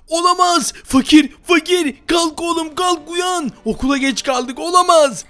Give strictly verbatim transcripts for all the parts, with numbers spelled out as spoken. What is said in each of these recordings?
Olamaz. Fakir, fakir. Kalk oğlum, kalk, uyan. Okula geç kaldık, olamaz.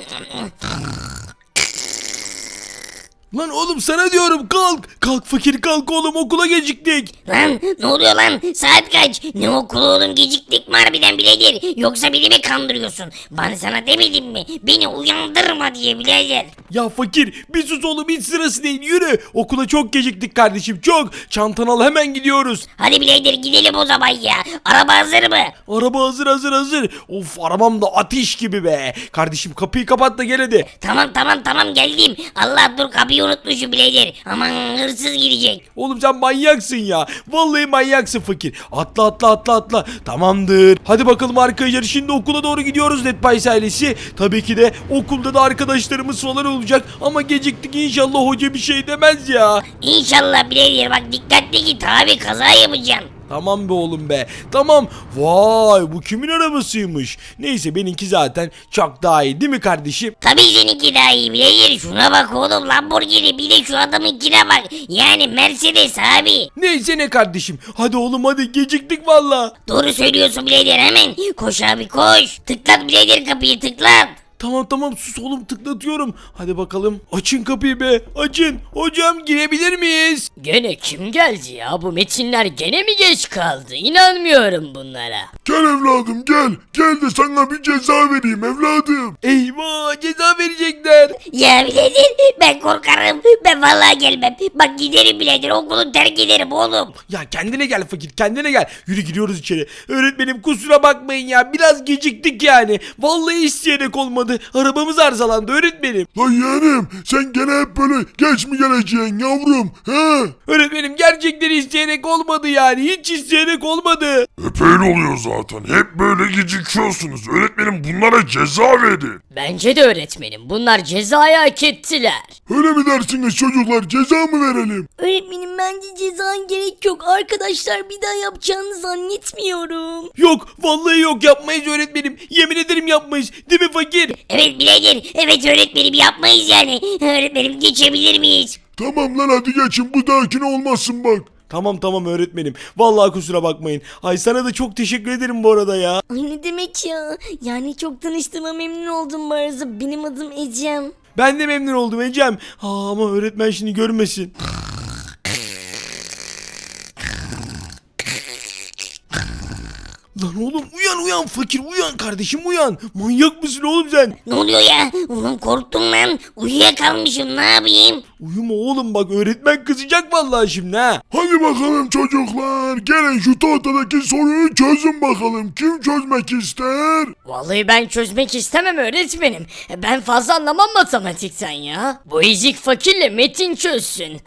Lan oğlum sana diyorum, kalk. Kalk fakir, kalk oğlum, okula geciktik. Lan ne oluyor lan? Saat kaç? Ne okulu oğlum, geciktik mi harbiden birader? Yoksa beni mi kandırıyorsun? Ben sana demedim mi? Beni uyandırma diye birader. Ya fakir, bir sus oğlum, hiç sırası değil, yürü. Okula çok geciktik kardeşim, çok. Çantanı al, hemen gidiyoruz. Hadi birader gidelim o zaman ya. Araba hazır mı? Araba hazır hazır hazır. Of, arabam da ateş gibi be. Kardeşim kapıyı kapat da gel hadi. Tamam tamam tamam geldim. Allah dur, kapıyı unutmuşum birader. Aman hırsız girecek. Oğlum sen manyaksın ya. Vallahi manyaksın fakir. Atla atla atla atla. Tamamdır. Hadi bakalım arkadaşlar, şimdi okula doğru gidiyoruz Netpice ailesi. Tabii ki de okulda da arkadaşlarımız falan olacak. Ama geciktik, inşallah hoca bir şey demez ya. İnşallah birader, bak dikkatli git abi, kaza yapacaksın. Tamam be oğlum be. Tamam. Vay, bu kimin arabasıymış? Neyse, benimki zaten çok daha iyi değil mi kardeşim? Tabii seninki daha iyi birader. Şuna bak oğlum, Lamborghini, bir de şu adamınkine bak. Yani Mercedes abi. Neyse ne kardeşim. Hadi oğlum hadi, geciktik valla. Doğru söylüyorsun birader, hemen. Koş abi koş. Tıklat birader, kapıyı tıklat. Tamam tamam, sus oğlum, tıklatıyorum. Hadi bakalım. Açın kapıyı be. Açın. Hocam, girebilir miyiz? Gene kim geldi ya? Bu metinler gene mi geç kaldı? İnanmıyorum bunlara. Gel evladım gel. Gel de sana bir ceza vereyim evladım. Eyvah, ceza verecekler. Ya birader, ben korkarım. Ben vallahi gelmem. Bak giderim birader, okulu terk ederim oğlum. Ya kendine gel fakir, kendine gel. Yürü, giriyoruz içeri. Öğretmenim kusura bakmayın ya. Biraz geciktik yani. Vallahi isteyerek olmadı. Arabamız arızalandı öğretmenim. Lan yeğenim sen gene hep böyle geç mi geleceksin yavrum he? Öğretmenim, gerçekten isteyerek olmadı yani. Hiç isteyerek olmadı. Hep öyle oluyor zaten. Hep böyle gecikiyorsunuz. Öğretmenim bunlara ceza verin. Bence de öğretmenim. Bunlar cezayı hak ettiler. Öyle mi dersiniz çocuklar? Ceza mı verelim? Öğretmenim bence ceza gerek yok. Arkadaşlar bir daha yapacağını zannetmiyorum. Yok, vallahi yok, yapmayız öğretmenim. Yemin ederim yapmayız. Değil mi fakir? Evet birader, evet öğretmenim, yapmayız yani. Öğretmenim geçebilir miyiz? Tamam lan hadi geçin. Bu dahakine olmasın bak. Tamam tamam öğretmenim. Vallahi kusura bakmayın. Ay sana da çok teşekkür ederim bu arada ya. Ay ne demek ya? Yani çok tanıştığıma memnun oldum bu arada. Benim adım Ecem. Ben de memnun oldum Ecem. Aa, ama öğretmen şimdi görmesin. Lan oğlum, uyan uyan fakir, uyan kardeşim, uyan. Manyak mısın oğlum sen? Ne oluyor ya? Ulan korktum lan. Uyuyakalmışım, ne yapayım? Uyuma oğlum, bak öğretmen kızacak vallahi şimdi ha. Hadi bakalım çocuklar. Gelin şu tahtadaki soruyu çözün bakalım. Kim çözmek ister? Vallahi ben çözmek istemem öğretmenim. Ben fazla anlamam matematikten ya. Bu ezik fakirle Metin çözsün.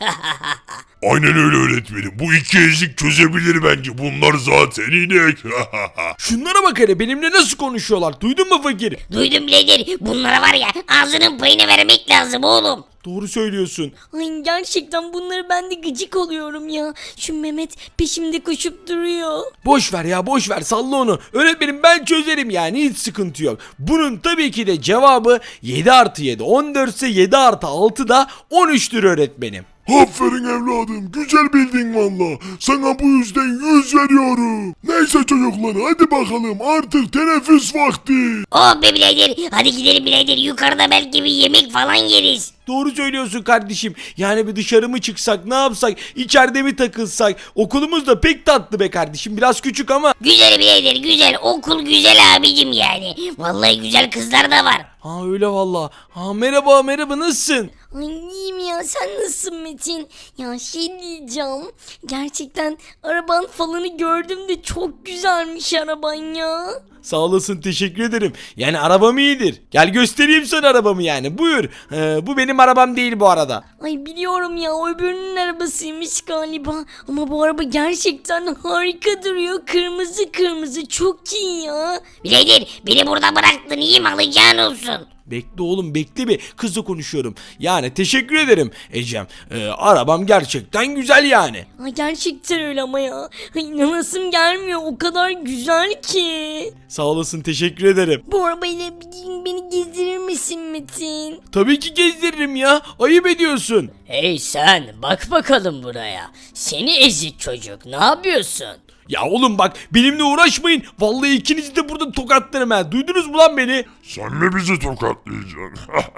Aynen öyle öğretmenim. Bu iki ezik çözebilir bence. Bunlar zaten inek. Şunlara bak hele, benimle nasıl konuşuyorlar, duydun mu fakir? Duydum birader, bunlara var ya ağzının payını vermek lazım oğlum. Doğru söylüyorsun. Ay gerçekten bunları ben de gıcık oluyorum ya. Şu Mehmet peşimde koşup duruyor. Boş ver ya, boş ver, salla onu. Öğretmenim ben çözerim yani, hiç sıkıntı yok. Bunun tabii ki de cevabı yedi artı yedi on dört ise yedi artı altı da on üçtür öğretmenim. Aferin evladım. Güzel bildin valla. Sana bu yüzden yüz veriyorum. Neyse çocuklar hadi bakalım. Artık teneffüs vakti. Oh be birader, hadi gidelim birader, yukarıda belki bir yemek falan yeriz. Doğru söylüyorsun kardeşim. Yani bir dışarı mı çıksak, ne yapsak, içeride mi takılsak? Okulumuz da pek tatlı be kardeşim. Biraz küçük ama. Güzel birader, güzel, okul güzel abicim yani. Vallahi güzel kızlar da var. Ha öyle valla. Ha merhaba merhaba, nasılsın? Ay iyiyim ya, sen nasılsın Metin? Ya şey diyeceğim. Gerçekten araban falanı gördüm de çok güzelmiş araban ya. Sağ olasın, teşekkür ederim. Yani arabam iyidir. Gel göstereyim sana arabamı yani, buyur. Ee, bu benim arabam değil bu arada. Ay biliyorum ya, o öbürünün arabasıymış galiba. Ama bu araba gerçekten harika duruyor. Kırmızı kırmızı, çok iyi ya. Birader, beni burada bıraktın, iyi mi, alacağın olsun. Bekle oğlum, bekle bir, kızla konuşuyorum. Yani teşekkür ederim Ecem. Ee, arabam gerçekten güzel yani. Ay gerçekten öyle ama ya. Ay inanasım gelmiyor, o kadar güzel ki. Sağ olasın, teşekkür ederim. Bu arabayla bir gün beni gezdirir misin Metin? Tabii ki gezdiririm ya. Ayıp ediyorsun. Hey sen, bak bakalım buraya. Seni ezik çocuk, ne yapıyorsun? Ya oğlum bak benimle uğraşmayın. Vallahi ikinizi de burada tokatlarım ha. Duydunuz mu lan beni? Sen mi bizi tokatlayacaksın?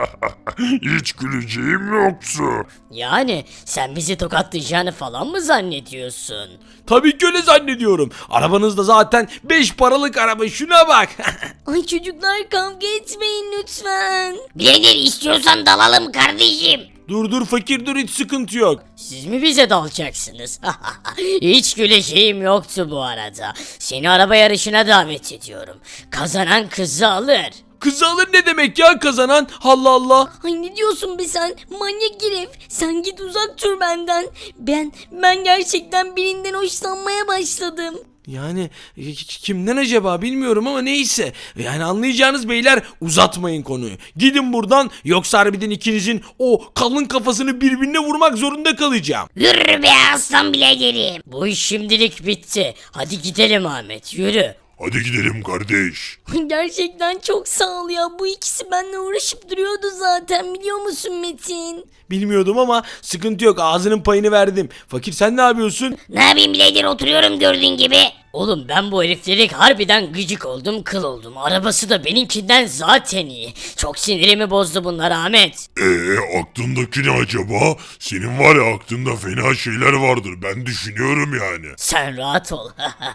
Hiç güleceğim yoktu. Yani sen bizi tokatlayacağını falan mı zannediyorsun? Tabii ki öyle zannediyorum. Arabanız da zaten beş paralık araba, şuna bak. Ay çocuklar kavga etmeyin lütfen. Birader istiyorsan dalalım kardeşim. Dur dur fakir dur, hiç sıkıntı yok. Siz mi bize dalacaksınız? Hiç güleceğim yoktu bu arada. Seni araba yarışına davet ediyorum. Kazanan kızı alır. Kızı alır ne demek ya, kazanan? Allah Allah. Ay ne diyorsun be sen? Manyak herif. Sen git uzak dur benden. Ben ben gerçekten birinden hoşlanmaya başladım. Yani e, kimden acaba bilmiyorum ama neyse. Yani anlayacağınız beyler, uzatmayın konuyu. Gidin buradan, yoksa harbiden ikinizin o kalın kafasını birbirine vurmak zorunda kalacağım. Yürü be aslan biraderim. Bu iş şimdilik bitti. Hadi gidelim Ahmet, yürü. Hadi gidelim kardeş. Gerçekten çok sağ ol ya. Bu ikisi benimle uğraşıp duruyordu zaten, biliyor musun Metin? Bilmiyordum ama sıkıntı yok, ağzının payını verdim. Fakir sen ne yapıyorsun? Ne yapayım birader, oturuyorum gördüğün gibi. Oğlum ben bu heriflere harbiden gıcık oldum, kıl oldum. Arabası da benimkinden zaten iyi. Çok sinirimi bozdu bunlar Ahmet. Eee aklındaki ne acaba? Senin var ya, aklında fena şeyler vardır. Ben düşünüyorum yani. Sen rahat ol.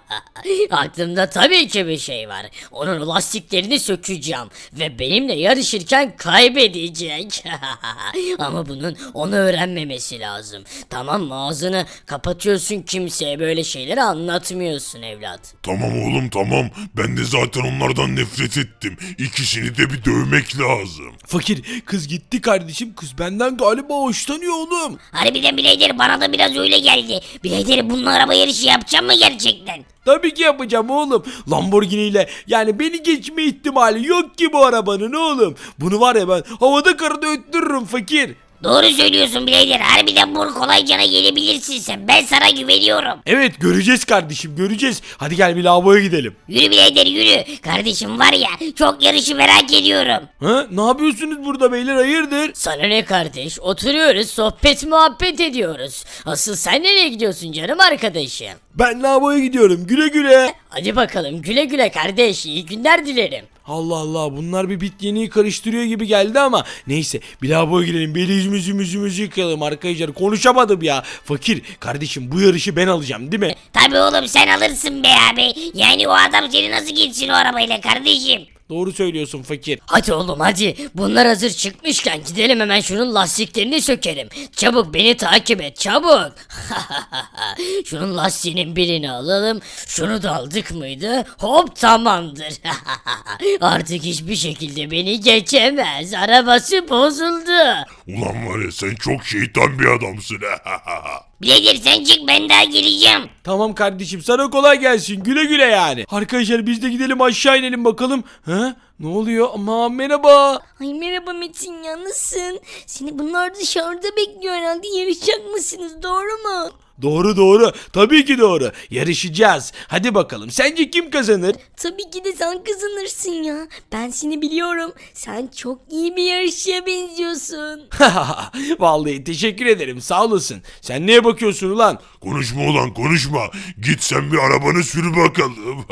Aklımda tabii ki bir şey var. Onun lastiklerini sökeceğim ve benimle yarışırken kaybedecek. Ama bunun onu öğrenmemesi lazım. Tamam mı? Ağzını kapatıyorsun, kimseye böyle şeyleri anlatmıyorsun evlat. Tamam oğlum tamam. Ben de zaten onlardan nefret ettim. İkisini de bir dövmek lazım. Fakir, kız gitti kardeşim, kız benden galiba hoşlanıyor oğlum. Harbiden birader, bana da biraz öyle geldi. Birader bununla araba yarışı yapacağım mı gerçekten? Tabii ki yapacağım oğlum. Lamborghini ile yani beni geçme ihtimali yok ki bu arabanın oğlum. Bunu var ya ben havada karada öttürürüm fakir. Doğru söylüyorsun birader, harbiden bu kolaycana gelebilirsin sen. Ben sana güveniyorum. Evet, göreceğiz kardeşim, göreceğiz. Hadi gel bir lavaboya gidelim. Yürü birader yürü. Kardeşim var ya, çok yarışı merak ediyorum. Ha? Ne yapıyorsunuz burada beyler, hayırdır? Sana ne kardeş? Oturuyoruz, sohbet muhabbet ediyoruz. Asıl sen nereye gidiyorsun canım arkadaşım? Ben lavaboya gidiyorum, güle güle. Hadi bakalım, güle güle kardeş, iyi günler dilerim. Allah Allah, bunlar bir bit yeniği karıştırıyor gibi geldi ama neyse, bir lavaboya girelim, bir yüzümüzü yüzümüzü yıkayalım arkadaşlar. Konuşamadım ya. Fakir kardeşim, bu yarışı ben alacağım değil mi? Tabii oğlum, sen alırsın be abi. Yani o adam seni nasıl geçsin o arabayla kardeşim? Doğru söylüyorsun fakir. Hadi oğlum hadi, bunlar hazır çıkmışken gidelim hemen şunun lastiklerini sökelim. Çabuk beni takip et, çabuk. Şunun lastiğinin birini alalım. Şunu da aldık mıydı? Hop, tamamdır. Artık hiçbir şekilde beni geçemez. Arabası bozuldu. Ulan var ya, sen çok şeytan bir adamsın. Birader sen çık, ben daha geleceğim. Tamam kardeşim, sana kolay gelsin, güle güle yani. Arkadaşlar biz de gidelim, aşağı inelim bakalım. Ha? Ne oluyor? Aman merhaba. Ay merhaba Metin ya, nasılsın? Seni bunlar dışarıda bekliyor herhalde, yarışacak mısınız, doğru mu? Doğru doğru, tabii ki doğru. Yarışacağız. Hadi bakalım, sence kim kazanır? Tabii ki de sen kazanırsın ya. Ben seni biliyorum. Sen çok iyi bir yarışçıya benziyorsun. Vallahi teşekkür ederim, sağ olasın. Sen neye bakıyorsun ulan? Konuşma ulan konuşma. Git sen bir arabanı sür bakalım.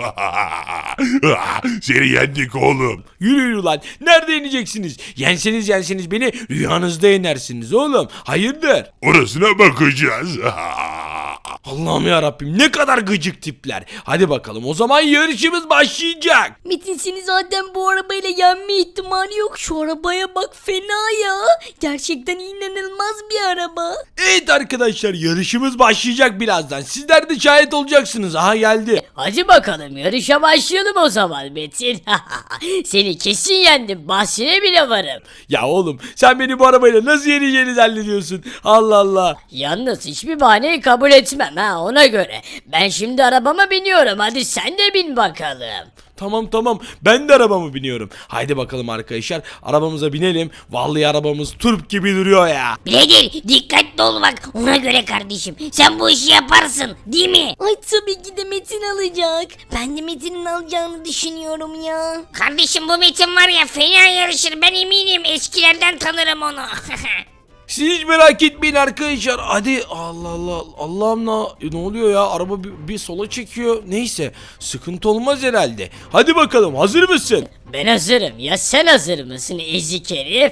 Seni yendik oğlum. Yürü yürü lan, nerede yeneceksiniz? Yenseniz yenseniz beni rüyanızda yenersiniz oğlum. Hayırdır? Orasına bakacağız. Allah'ım ya Rabbim, ne kadar gıcık tipler. Hadi bakalım, o zaman yarışımız başlayacak. Metin seni zaten bu arabayla yenme ihtimali yok. Şu arabaya bak, fena ya. Gerçekten inanılmaz bir araba. Evet arkadaşlar, yarışımız başlayacak birazdan. Sizler de şahit olacaksınız. Aha geldi. Hadi bakalım, yarışa başlayalım o zaman Metin. Seni kesin yendim, bahsine bile varım. Ya oğlum, sen beni bu arabayla nasıl yeneceğini zannediyorsun? Allah Allah. Yalnız hiçbir bahaneyi kabul etmem ha, ona göre. Ben şimdi arabama biniyorum, hadi sen de bin bakalım. Tamam tamam, ben de arabamı biniyorum. Haydi bakalım arkadaşlar, arabamıza binelim. Vallahi arabamız turp gibi duruyor ya. Birader dikkatli ol bak, ona göre kardeşim. Sen bu işi yaparsın değil mi? Ay tabii ki de Metin alacak. Ben de Metin'in alacağını düşünüyorum ya. Kardeşim bu Metin var ya, fena yarışır, ben eminim. Eskilerden tanırım onu. Siz hiç merak etmeyin. beni arkadaşlar. Hadi Allah Allah. Allah'ım ne, ne oluyor ya? Araba bir, bir sola çekiyor. Neyse sıkıntı olmaz herhalde. Hadi bakalım, hazır mısın? Ben hazırım. Ya sen hazır mısın ezik herif?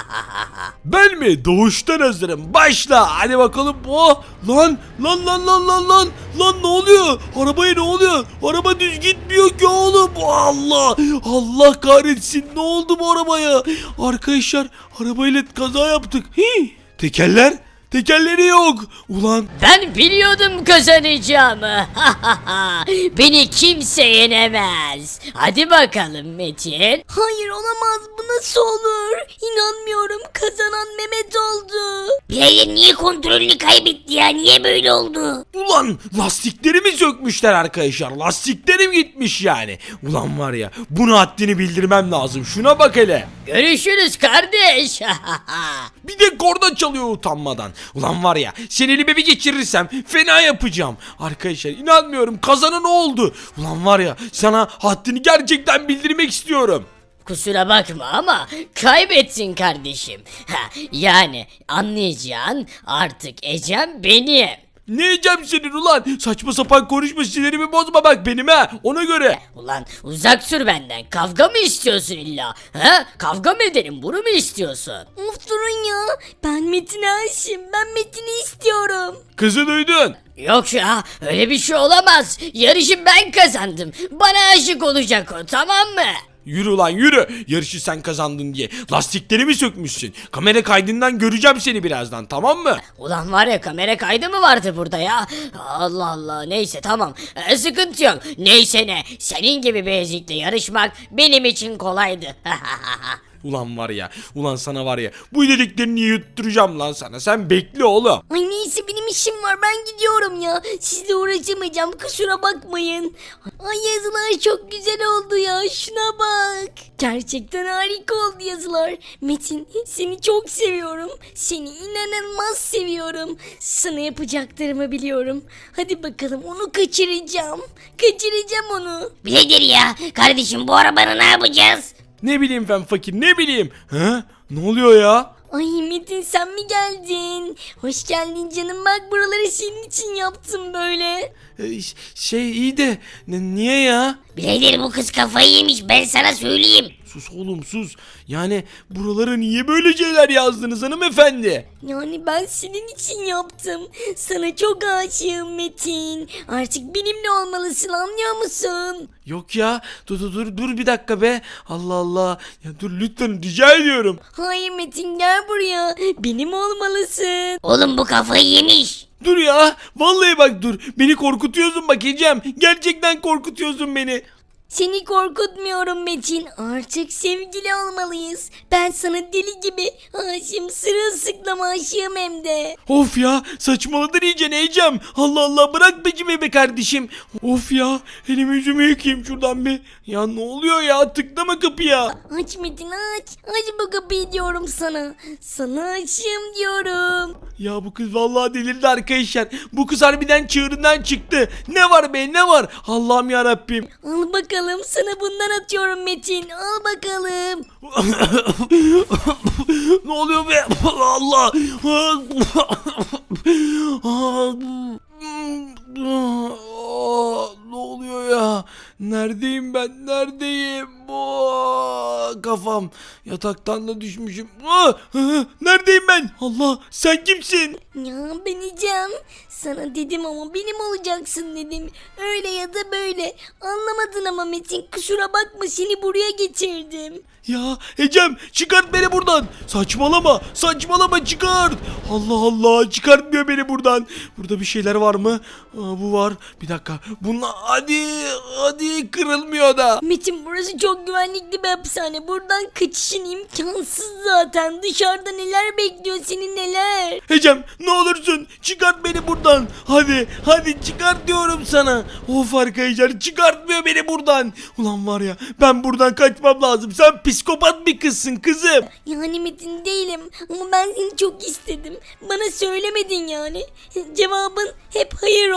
Ben mi? Doğuştan hazırım. Başla. Hadi bakalım. Oh, lan lan lan lan lan lan. Lan ne oluyor? Arabaya ne oluyor? Araba düz gitmiyor ki oğlum. Allah. Allah kahretsin. Ne oldu bu arabaya? Arkadaşlar arabayla kaza yaptık. Hii. Tekerler? Tekerleri yok. Ulan Ben biliyordum kazanacağımı. Beni kimse yenemez. Hadi bakalım Metin. Hayır olamaz, bu nasıl olur? İnanmıyorum, kazanan Mehmet oldu. Birader niye kontrolünü kaybetti ya? Niye böyle oldu? Ulan lastiklerimi sökmüşler arkadaşlar. Lastiklerim gitmiş yani. Ulan var ya, bunu haddini bildirmem lazım. Şuna bak hele. Görüşürüz kardeş. Bir de korna çalıyor utanmadan. Ulan var ya, seni elime bir geçirirsem fena yapacağım. Arkadaşlar inanmıyorum, kazanan oldu. Ulan var ya, sana haddini gerçekten bildirmek istiyorum. Kusura bakma ama kaybettin kardeşim. Ha, yani anlayacağın artık Ecem benim. Ne yiyeceğim senin ulan? Saçma sapan konuşma, sinirimi bozma bak benim ha, ona göre. Ulan uzak sür benden. Kavga mı istiyorsun illa? Ha? Kavga mı edelim? Bunu mu istiyorsun? Of durun ya, ben Metin'e aşığım, ben Metin'i istiyorum. Kızı duydun. Yok ya öyle bir şey olamaz. Yarışı ben kazandım. Bana aşık olacak o, tamam mı? Yürü ulan yürü. Yarışı sen kazandın diye. Lastiklerimi sökmüşsün. Kamera kaydından göreceğim seni birazdan, tamam mı? Ulan var ya, kamera kaydı mı vardı burada ya? Allah Allah, neyse tamam. Ee, sıkıntı yok. Neyse ne. Senin gibi bir ezikle yarışmak benim için kolaydı. Ulan var ya, ulan sana var ya, bu dediklerini yutturacağım lan sana. Sen bekle oğlum. Ay neyse, benim işim var, ben gidiyorum ya. Sizle uğraşamayacağım, kusura bakmayın. Ay yazılar çok güzel oldu ya, şuna bak. Gerçekten harika oldu yazılar. Metin, seni çok seviyorum. Seni inanılmaz seviyorum. Sana yapacaklarımı biliyorum. Hadi bakalım, onu kaçıracağım. Kaçıracağım onu. Birader ya kardeşim, bu arabanı ne yapacağız? Ne bileyim ben fakir, ne bileyim. He? Ne oluyor ya? Ay Metin, sen mi geldin? Hoş geldin canım, bak buraları senin için yaptım böyle. Ee, ş- şey iyi de n- niye ya? Birader bu kız kafayı yemiş, ben sana söyleyeyim. Sus oğlum sus. Yani buralara niye böyle şeyler yazdınız hanımefendi? Yani ben senin için yaptım. Sana çok aşığım Metin. Artık benimle olmalısın, anlıyor musun? Yok ya, dur dur dur dur bir dakika be. Allah Allah. Ya dur lütfen, rica ediyorum. Hayır Metin, gel buraya. Benim olmalısın. Oğlum bu kafayı yemiş. Dur ya. Vallahi bak dur. Beni korkutuyorsun bak Ecem. Gerçekten korkutuyorsun beni. Seni korkutmuyorum Metin. Artık sevgili olmalıyız. Ben sana deli gibi aşığım. Sırılsıklam aşığım hem de. Of ya, saçmaladın iyice Ecem. Allah Allah, bırak peşimi be kardeşim. Of ya, elimi yüzümü yıkayayım şuradan bir. Ya ne oluyor ya, tıklama kapıya. Aç Metin, aç. Aç bu kapıyı diyorum sana. Sana aşığım diyorum. Ya bu kız vallahi delirdi arkadaşlar. Bu kız harbiden çığırından çıktı. Ne var be, ne var? Allah'ım ya Rabbim. Al bakalım, sana bundan atıyorum Metin. Al bakalım. Ne oluyor be? Allah. Ne oluyor ya? Neredeyim ben? Neredeyim? Oh, kafam. Yataktan da düşmüşüm. Ah, neredeyim ben? Allah, sen kimsin? Ya ben Ecem. Sana dedim ama benim olacaksın dedim. Öyle ya da böyle. Anlamadın ama Metin, kusura bakma, seni buraya getirdim. Ya Ecem, çıkart beni buradan. Saçmalama, saçmalama, çıkart. Allah Allah, çıkartmıyor beni buradan. Burada bir şeyler var mı? Aa, bu var. Bir dakika. Bunlar hadi hadi kırılmıyor da. Metin, burası çok güvenlikli bir hapishane. Buradan kaçışın imkansız zaten. Dışarıda neler bekliyor seni, neler. Ecem, ne olursun çıkart beni buradan. Hadi hadi çıkart diyorum sana. Of arkadaşlar, çıkartmıyor beni buradan. Ulan var ya, ben buradan kaçmam lazım. Sen psikopat bir kızsın kızım. Yani Metin değilim ama ben seni çok istedim. Bana söylemedin yani. Cevabın hep hayır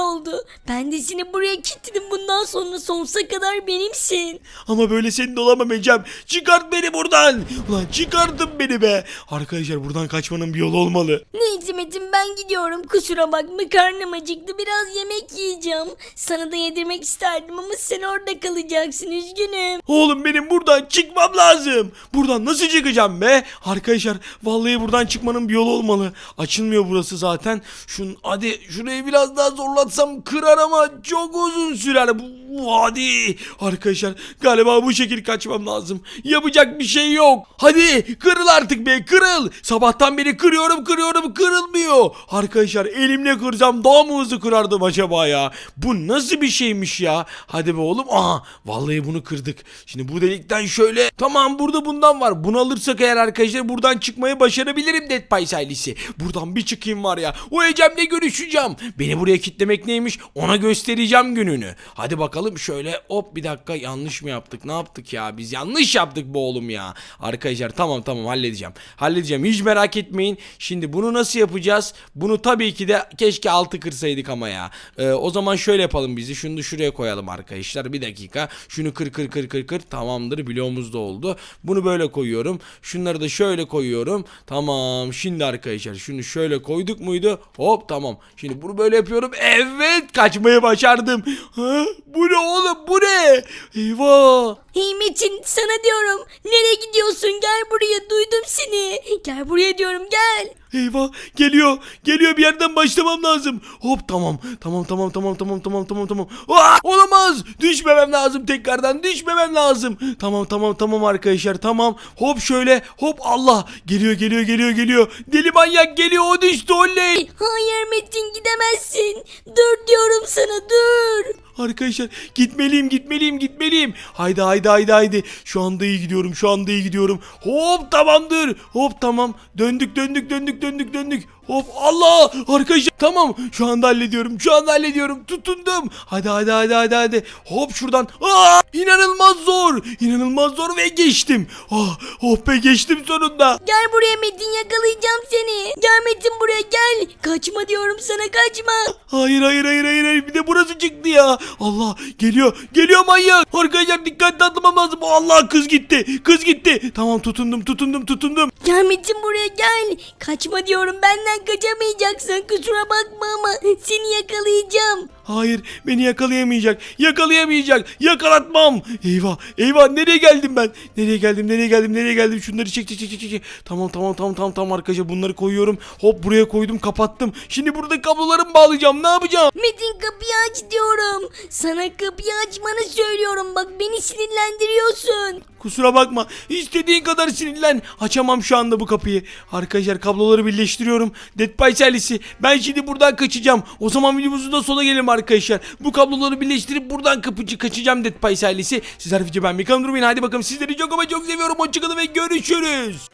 oldu. Ben de seni buraya kilitledim. Bundan sonra sonsuza kadar benimsin. Ama böyle senin de olamam Ecem. Çıkart beni buradan. Ulan çıkartın beni be. Arkadaşlar buradan kaçmanın bir yolu olmalı. Neyse Metin ben gidiyorum. Kusura bakma karnım acıktı. Biraz yemek yiyeceğim. Sana da yedirmek isterdim ama sen orada kalacaksın. Üzgünüm. Oğlum benim buradan çıkmam lazım. Buradan nasıl çıkacağım be? Arkadaşlar vallahi buradan çıkmanın bir yolu olmalı. Açılmıyor burası zaten. Şun hadi şurayı biraz daha zorlatsam kırar ama çok uzun sürer. Bu hadi. Arkadaşlar galiba bu şekil kaçmam lazım. Yapacak bir şey yok. Hadi kırıl artık be kırıl. Sabahtan beri kırıyorum kırıyorum kırılmıyor. Arkadaşlar elimle kırsam daha mı hızlı kırardım acaba ya? Bu nasıl bir şeymiş ya? Hadi be oğlum. Aha vallahi bunu kırdık. Şimdi bu delikten şöyle. Tamam burada bundan var. Bunu alırsak eğer arkadaşlar buradan çıkmayı başarabilirim Dead Pies ailesi. Buradan bir çıkayım var ya. O Ecem'le görüşeceğim. Beni buraya kitlemek neymiş? Ona göstereceğim gününü. Hadi bakalım şöyle hop bir dakika yanlış mı yaptık? Ne yaptık ya? Biz yanlış yaptık bu oğlum ya. Arkadaşlar tamam tamam halledeceğim. Halledeceğim hiç merak etmeyin. Şimdi bunu nasıl yapacağız? Bunu tabii ki de keşke altı kırsaydık ama ya. Ee, o zaman şöyle yapalım bizi. Şunu da şuraya koyalım arkadaşlar. Bir dakika. Şunu kır kır kır kır kır. Tamamdır. Bloğumuz da oldu. Bunu böyle koyuyorum. Şunları da şöyle koyuyorum. Tamam. Şimdi arkadaşlar şunu şöyle koyduk muydu? Hop tamam. Şimdi bunu böyle yapıyorum. Evet. Kaçmayı başardım. Ha? Bu ne oğlum? Bu ne? Eyvah. Hey Metin sana diyorum. Nereye gidiyorsun? Gel buraya duydum seni. Gel buraya diyorum gel. Eyvah geliyor geliyor bir yerden başlamam lazım. Hop tamam tamam tamam tamam tamam tamam tamam tamam. Aa, olamaz düşmemem lazım tekrardan düşmemem lazım. Tamam tamam tamam arkadaşlar tamam. Hop şöyle hop Allah geliyor geliyor geliyor geliyor. Deli manyak geliyor o düştü oley. Hayır Metin gidemezsin. Dur diyorum sana dur. Arkadaşlar gitmeliyim gitmeliyim gitmeliyim. Haydi haydi haydi haydi. Şu anda iyi gidiyorum şu anda iyi gidiyorum. Hop tamamdır. Hop tamam. Döndük döndük döndük döndük döndük. Hop Allah arkadaşlar tamam şu anda hallediyorum şu anda hallediyorum tutundum. Hadi hadi hadi hadi hadi. Hop şuradan. Aa, inanılmaz zor. İnanılmaz zor ve geçtim. Ah, oh be geçtim sonunda. Gel buraya Metin yakalayacağım seni. Gel Metin buraya gel. Kaçma diyorum sana kaçma. Hayır hayır hayır hayır hayır bir de burası çıktı ya. Allah geliyor geliyor manyak. Arkadaşlar dikkatli atlamam lazım. Allah kız gitti kız gitti. Tamam tutundum tutundum tutundum. Gel Metin buraya gel. Kaçma diyorum benden kaçamayacaksın. Kusura bakma ama seni yakalayacağım. Hayır beni yakalayamayacak yakalayamayacak yakalatmam. Eyvah eyvah nereye geldim ben? Nereye geldim nereye geldim nereye geldim? Şunları çek çek çek çek çek. Tamam tamam tamam tamam tamam arkadaşlar bunları koyuyorum. Hop buraya koydum kapattım. Şimdi burada kablolarımı bağlayacağım ne yapacağım? Metin kapıyı aç diyorum. Sana kapıyı açmanı söylüyorum. Bak beni sinirlendiriyorsun. Kusura bakma. İstediğin kadar sinirlen. Açamam şu anda bu kapıyı. Arkadaşlar kabloları birleştiriyorum. Dead Pies ailesi. Ben şimdi buradan kaçacağım. O zaman videomuzun da sona gelelim arkadaşlar. Bu kabloları birleştirip buradan kapıcı kaçacağım Dead Pies ailesi. Sizler video ben bir kanal durmayın. Hadi bakalım sizleri çok ama çok seviyorum. Hoşçakalın ve görüşürüz.